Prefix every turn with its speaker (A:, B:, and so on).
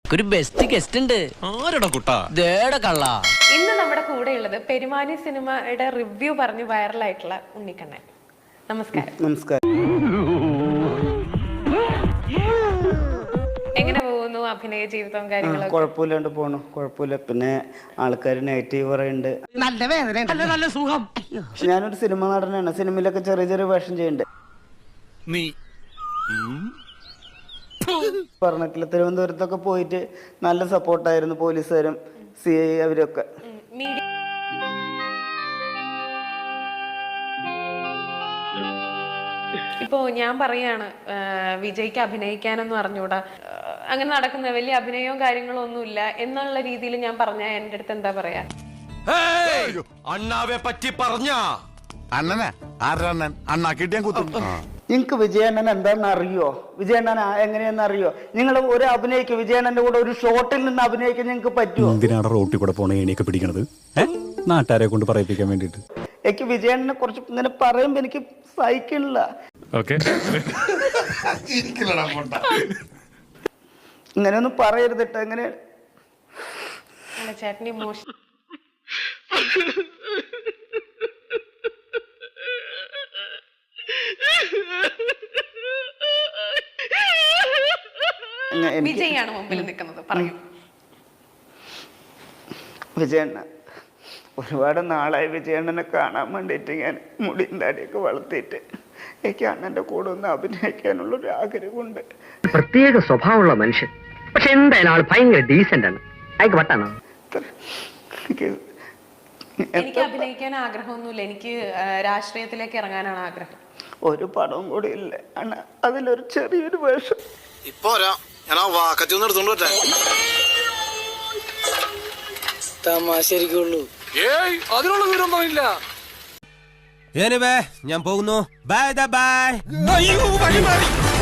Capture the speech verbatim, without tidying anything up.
A: ഒരു best guest ഉണ്ട്.
B: ആരുടെ കുട്ടാ?
A: ദേടെ കള്ള.
C: ഇന്ന് നമ്മുടെ കൂടെ ഉള്ളത് പെരുമാനി സിനിമയുടെ റിവ്യൂ പറഞ്ഞ് വൈറലായിട്ടുള്ള ഉണ്ണിക്കണ്ണൻ. നമസ്കാരം.
D: നമസ്കാരം.
C: എങ്ങനെ പോകുന്നു അഭിനയ ജീവിതവും കാര്യങ്ങളും?
D: കുഴപ്പമില്ലാണ്ട് പോണു. കുഴപ്പമില്ല. പിന്നെ ആൾക്കാർ നെഗറ്റീവ് പറയുന്നുണ്ട്.
A: നല്ല വേദന, നല്ല സുഖം.
D: ഞാനൊരു സിനിമ നടനാണ്. സിനിമയിലൊക്കെ ചെറിയ ചെറിയ വേഷം ചെയ്യുന്നുണ്ട്.
B: നീ
D: പറഞ്ഞിട്ടില്ല. തിരുവനന്തപുരത്തൊക്കെ പോയിട്ട് നല്ല സപ്പോർട്ടായിരുന്നു പോലീസുകാരും സി ഐ അവരൊക്കെ.
C: ഇപ്പോ ഞാൻ പറയാണ് വിജയ്ക്ക് അഭിനയിക്കാനൊന്നും അറിഞ്ഞൂടാ, അങ്ങനെ നടക്കുന്ന വലിയ അഭിനയവും കാര്യങ്ങളും ഒന്നുമില്ല എന്നുള്ള രീതിയിൽ ഞാൻ പറഞ്ഞ എന്റെ അടുത്ത് എന്താ പറയാ?
B: അണ്ണാവെ പറ്റി പറഞ്ഞ
E: അണ്ണനാ ആരണ്ണൻ അണ്ണാ കിട്ടിയാൻ കുത്തും.
D: നിങ്ങൾക്ക് വിജയണ്ണൻ എന്താണെന്ന് അറിയോ? വിജയണ്ണൻ എങ്ങനെയാന്ന് അറിയോ? നിങ്ങൾ ഒരു അഭിനയിക്കും വിജയണ്ണന്റെ കൂടെ ഒരു ഷോട്ടിൽ നിന്ന് അഭിനയിക്കാൻ നിങ്ങൾക്ക് പറ്റുമോ?
F: എന്തിനാണ് റോട്ടിൽ കൂടെ പോണ ഏണിയൊക്കെ പിടിക്കണത്? നാട്ടുകാരെ കൊണ്ട് പറയിപ്പിക്കാൻ വേണ്ടിട്ട്.
D: എനിക്ക് വിജയണ്ണനെ കുറച്ച് ഇങ്ങനെ പറയുമ്പോ എനിക്ക് സഹിക്കണില്ല. ഇങ്ങനെയൊന്നും പറയരുതിട്ട്. എങ്ങനെ
C: ചേട്ടന് ഇമോഷൻ വിജയാണ് മുമ്പിൽ നിൽക്കുന്നത്. പറയൂ.
D: വിജയണ്ണ ഒരുപാട് നാളായി വിജയണ്ണനെ കാണാൻ വേണ്ടിയിട്ട് ഞാൻ മുടിയും താടിയൊക്കെ വളർത്തിയിട്ട് എനിക്ക് അണ്ണന്റെ കൂടെ ഒന്ന് അഭിനയിക്കാനുള്ള ഒരു ആഗ്രഹമുണ്ട്.
G: പ്രത്യേക സ്വഭാവമുള്ള മനുഷ്യൻ, പക്ഷെ എന്തായാലും ആൾ ഭയങ്കര ഡീസന്റ് ആണ്. അയക്ക് വട്ടാണോ?
C: എനിക്ക് അഭിനയിക്കാൻ ആഗ്രഹമൊന്നുമില്ല. എനിക്ക് രാഷ്ട്രീയത്തിലേക്ക് ഇറങ്ങാനാണ് ആഗ്രഹം.
D: ഒരു പടവും കൂടി ഇല്ല അണ്ണ, അതിലൊരു ചെറിയൊരു വേഷം.
E: ഇപ്പൊ ഞാൻ ആ വാക്കത്തി ഒന്ന് എടുത്തോണ്ട് വരട്ടെ.
A: തമാശരിക്കുള്ളൂ.
B: ഏയ് അതിനുള്ള വിവരമൊന്നും ഇല്ല.
H: ഞാൻ പോകുന്നു. Bye bye.
B: അയ്യോ വഴി മാറി.